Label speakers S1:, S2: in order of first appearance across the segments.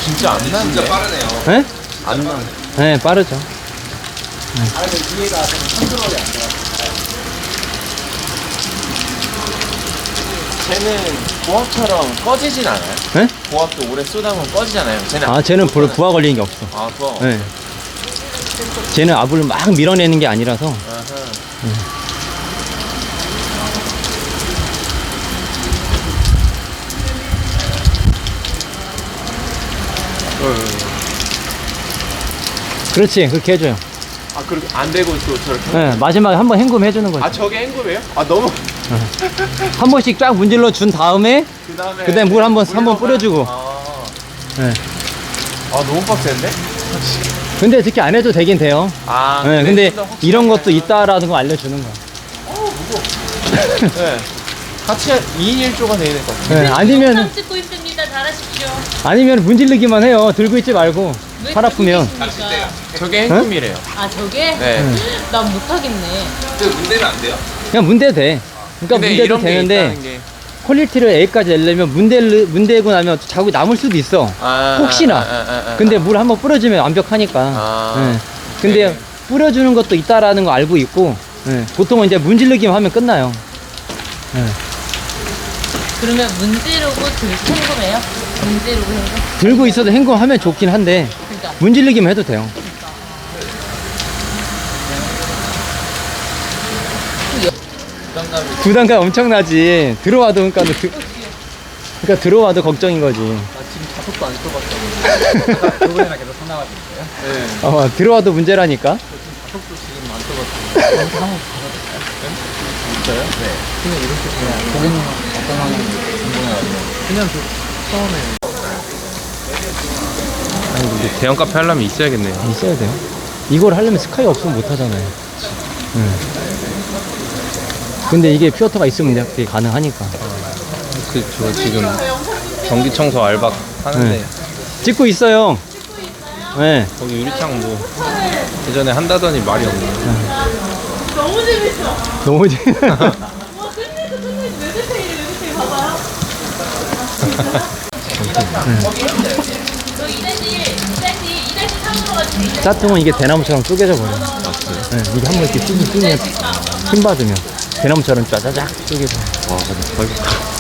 S1: 진짜 안 나는데?
S2: 진짜 빠르네요.
S3: 네?
S1: 안 나.
S3: 네, 빠르죠.
S2: 아, 근데 위에가 좀 컨트롤이 안 돼요.
S1: 쟤는 고압처럼 꺼지진 않아요?
S3: 네?
S1: 고압도 오래 쏘다 보면 꺼지잖아요. 쟤는
S3: 아, 쟤는 별로 부하 걸리는 게 없어.
S1: 아, 그거.
S3: 네. 쟤는 압을 막 밀어내는 게 아니라서.
S1: 아하.
S3: 그렇지, 그렇게 해줘요.
S1: 아, 그렇게 안 되고 또 저렇게.
S3: 네, 마지막에 한번 헹굼 해주는 거죠.
S1: 아, 저게 앵구예요? 아, 너무.
S3: 한 번씩 쫙 문질러 준 다음에, 그 다음에 물 한번 뿌려주고.
S1: 아,
S3: 네.
S1: 너무 빡센데?
S3: 근데 특히 안 해도 되긴 돼요.
S1: 아,
S3: 네, 근데
S1: 좀더 확실하게
S3: 이런 것도
S1: 하면.
S3: 있다라는 거 알려주는 거야.
S1: 네. 같이 2인 1조가 돼야 될 것 같아요.
S3: 네, 아니면,
S4: 영상 찍고 있습니다. 잘하십시오.
S3: 아니면 문질르기만 해요. 들고 있지 말고.
S4: 왜
S3: 팔 아프면.
S4: 찍고 계십니까?
S1: 저게 앵금이래요.
S4: 아 저게?
S1: 네.
S4: 난 못하겠네.
S2: 근데 문대면 안 돼요?
S3: 그냥 문대 돼. 그러니까
S1: 근데
S3: 문대도
S1: 이런 게
S3: 되는데,
S1: 있다는 게.
S3: 퀄리티를 A까지 내려면 문대고 나면 자국이 남을 수도 있어. 혹시나. 근데 물 한번 뿌려주면 완벽하니까.
S1: 아.
S3: 네. 근데
S1: 네.
S3: 뿌려주는 것도 있다라는 거 알고 있고, 네. 보통은 이제 문질르기만 하면 끝나요. 네.
S4: 그러면 문지르고 헹굼해요? 문지르고 헹굼?
S3: 들고 있어도 헹굼하면 좋긴 한데,
S4: 그러니까
S3: 문질르기만 해도 돼요. 부담감 엄청나지. 들어와도, 그러니까 들어와도 걱정인 거지.
S2: 나 지금 자석도 안 써봤어. 저번에랑 계속 상담하고 있어요? 네.
S3: 들어와도 문제라니까.
S2: 자석도 지금 안 써봤어요. 한번 받아볼까요? 진짜요? 네. 그냥 이렇게 그냥 고객님 어떤 상황인지 궁금해가지고. 그냥 저 처음에.
S1: 아니, 근데 대형 카페 하려면 있어야겠네요.
S3: 있어야 돼요. 이걸 하려면 스카이 없으면 못 하잖아요. 근데 이게 퓨어터가 있으면 그게 가능하니까.
S1: 저 지금 전기 청소 알바 하는데
S3: 네. 찍고 있어요. 네.
S1: 거기 유리창 뭐 예전에 한다더니 말이 없네.
S4: 너무 재밌어.
S3: 너무
S4: 와 끝내도 왜 그렇게 봐봐요. 저 2-3으로 가지고
S3: 짜통은 이게 대나무처럼 쪼개져 버려요. 네, 이게 한번 이렇게 쭉 힘 받으면 대나무처럼 짜자작 쪼개져.
S1: 와, 근데 거의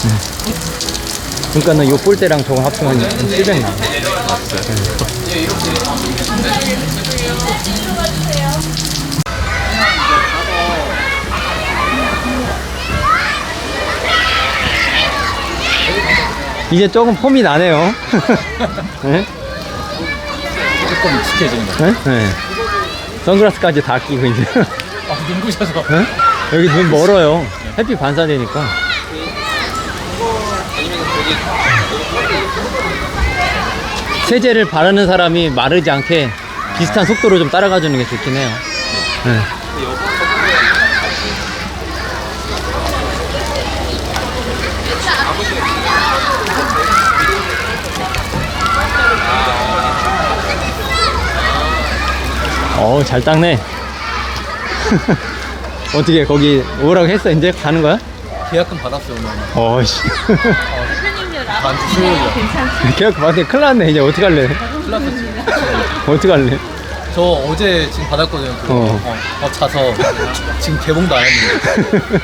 S3: 그러니까는 요 볼대랑 저거 합치면 700 나와요. 이제 조금 폼이 나네요. 네?
S2: 조금 익숙해지는 거.
S3: 네? 네. 선글라스까지 다 끼고 이제.
S2: 눈부셔서.
S3: 네? 여기 눈 멀어요. 햇빛 반사되니까. 세제를 바르는 사람이 마르지 않게 비슷한 속도로 좀 따라가주는 게 좋긴 해요. 네. 잘 닦네. 어떻게 거기 오라고 했어? 이제 가는 거야?
S2: 계약금 받았어요, 오늘.
S3: 어이씨.
S4: 대표님들
S2: 다음 주 수요일이요.
S4: 괜찮지?
S3: 계약 받았더니 큰일 났네. 이제 어떡할래?
S2: 큰일 났어, 지금.
S3: 어떡할래?
S2: 저 어제 지금 받았거든요. 그거. 자서 지금 개봉도 안 했는데.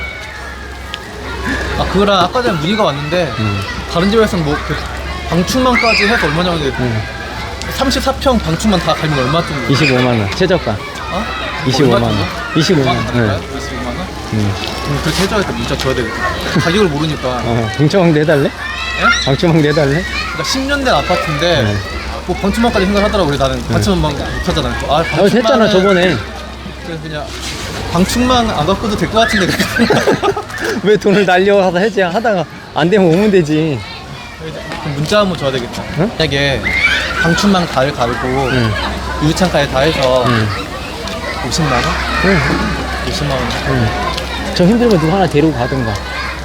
S2: 아 그거랑 아까 전에 문의가 왔는데 다른 집에서는 뭐 그 방충망까지 해서 얼마냐고 했는데 34평 방충망 다 갈면 얼마 정도?
S3: 25만원. 최저가.
S2: 어?
S3: 25만원. 25만원.
S2: 25만 원?
S3: 네.
S2: 25만 원? 그렇게 해줘야겠다. 문자 줘야 되겠다. 가격을 모르니까.
S3: 방충망도 해달래?
S2: 예?
S3: 방충망도 해달래?
S2: 그러니까 10년 된 아파트인데
S3: 네.
S2: 뭐 방충망까지 생각하더라고. 그래 나는 방충망 못하잖아. 아
S3: 했잖아, 저번에.
S2: 그래서 그냥 방충망 안 갖고도 될 것 같은데.
S3: 왜 돈을 날려 하다 해지 하다가 안 되면 오면 되지.
S2: 그럼 문자 한번 줘야 되겠다.
S3: 응?
S2: 만약에 방충망 다 갈고
S3: 응.
S2: 유리창까지 다 해서
S3: 응.
S2: 50만 원?
S3: 응.
S2: 50만 원.
S3: 응. 저 힘들면 누구 하나 데리고 가든가.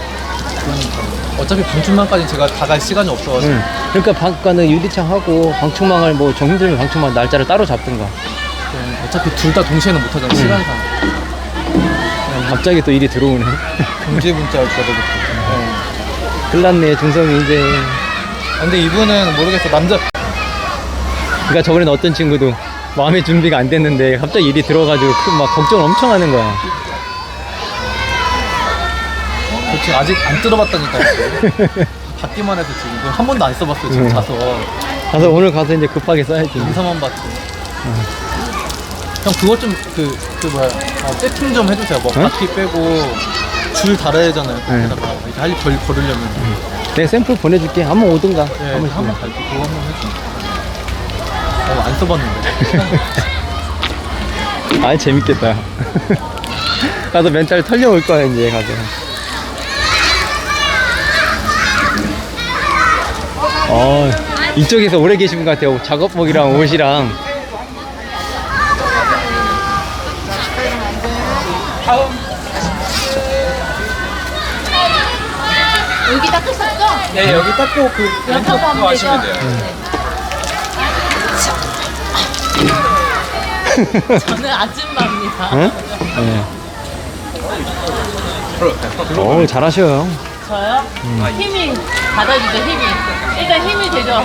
S2: 어차피 방충망까지 제가 다 갈 시간이 없어가지고.
S3: 응. 그러니까 방가는 유리창 하고 방충망을 뭐 정 힘들면 방충망 날짜를 따로 잡든가.
S2: 어차피 둘 다 동시에는 못 하잖아. 시간상.
S3: 갑자기 또 일이 들어오네.
S2: 경제 문자를 줘야 되겠다.
S3: 큰일 났네, 중성이 이제.
S2: 근데 이분은 모르겠어. 남자
S3: 그러니까 저번에 어떤 친구도 마음의 준비가 안 됐는데 갑자기 일이 들어가지고 막 걱정 엄청 하는 거야.
S2: 그렇지 아직 안 뜯어봤다니까요. 받기만 해서 지금 한 번도 안 써봤어요 지금 자서.
S3: 가서 오늘 가서 이제 급하게 써야지.
S2: 인사만 봤지. 형 그거 좀 뭐야 세팅 좀 해주세요. 뭐
S3: 응?
S2: 바퀴 빼고 줄 달아야 되잖아요. 거기다가 이제 할 일 걸으려면.
S3: 내 샘플 보내줄게. 한번 오든가.
S2: 네,
S3: 한번
S2: 한번
S3: 씩.
S2: 갈게. 그거 한번 해줘. 안 써봤는데.
S3: 아 재밌겠다. 가서 멘탈 털려올 거야 이제 가서. 이쪽에서 오래 계신 분 같아요. 작업복이랑 옷이랑.
S4: 여기 닦으셨죠?
S2: 네 여기 닦고 그
S4: 멘트 그거 하시면 돼요. 저는 아줌마입니다.
S3: 응? 네. 잘하셔요.
S4: 저요? 힘이 받아주죠 힘이. 일단 힘이 되죠.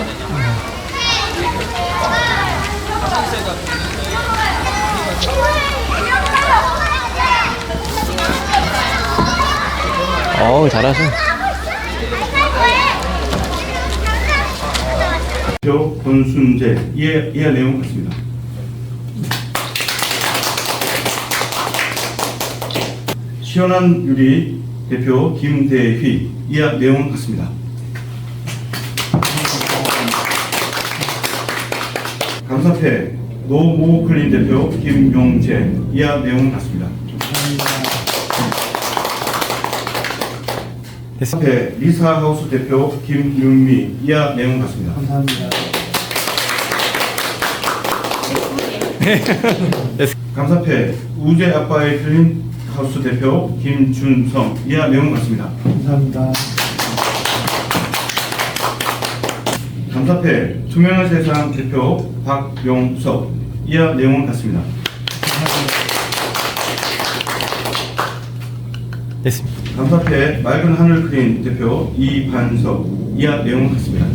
S3: 잘하셔.
S5: 대표 권순재 이하 내용 같습니다. 시원한 유리 대표 김대휘 이하 내용 같습니다. 감사패 노모클린 대표 김용재 이하 내용 같습니다. 감사패 리사하우스 대표 김윤미 이하 내용 같습니다. 감사패 우재 아빠의 클린 하우스 대표 김준성 이하 내용 같습니다. 감사합니다. 감사패 투명한 세상 대표 박용석 이하 내용 같습니다.
S3: 됐습니다.
S5: 감사패 맑은 하늘 크린 대표 이반석 이하 내용 같습니다.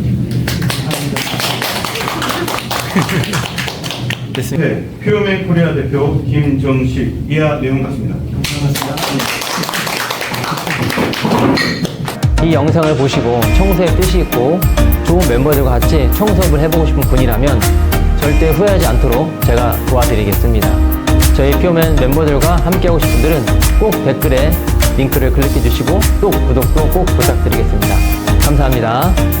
S3: 됐습니다.
S5: 네, 퓨어맨 코리아 대표 김정식 이하 내용 같습니다.
S3: 이 영상을 보시고 청소에 뜻이 있고 좋은 멤버들과 같이 청소업을 해보고 싶은 분이라면 절대 후회하지 않도록 제가 도와드리겠습니다. 저희 퓨어맨 멤버들과 함께하고 싶은 분들은 꼭 댓글에 링크를 클릭해 주시고 또 구독도 꼭 부탁드리겠습니다. 감사합니다.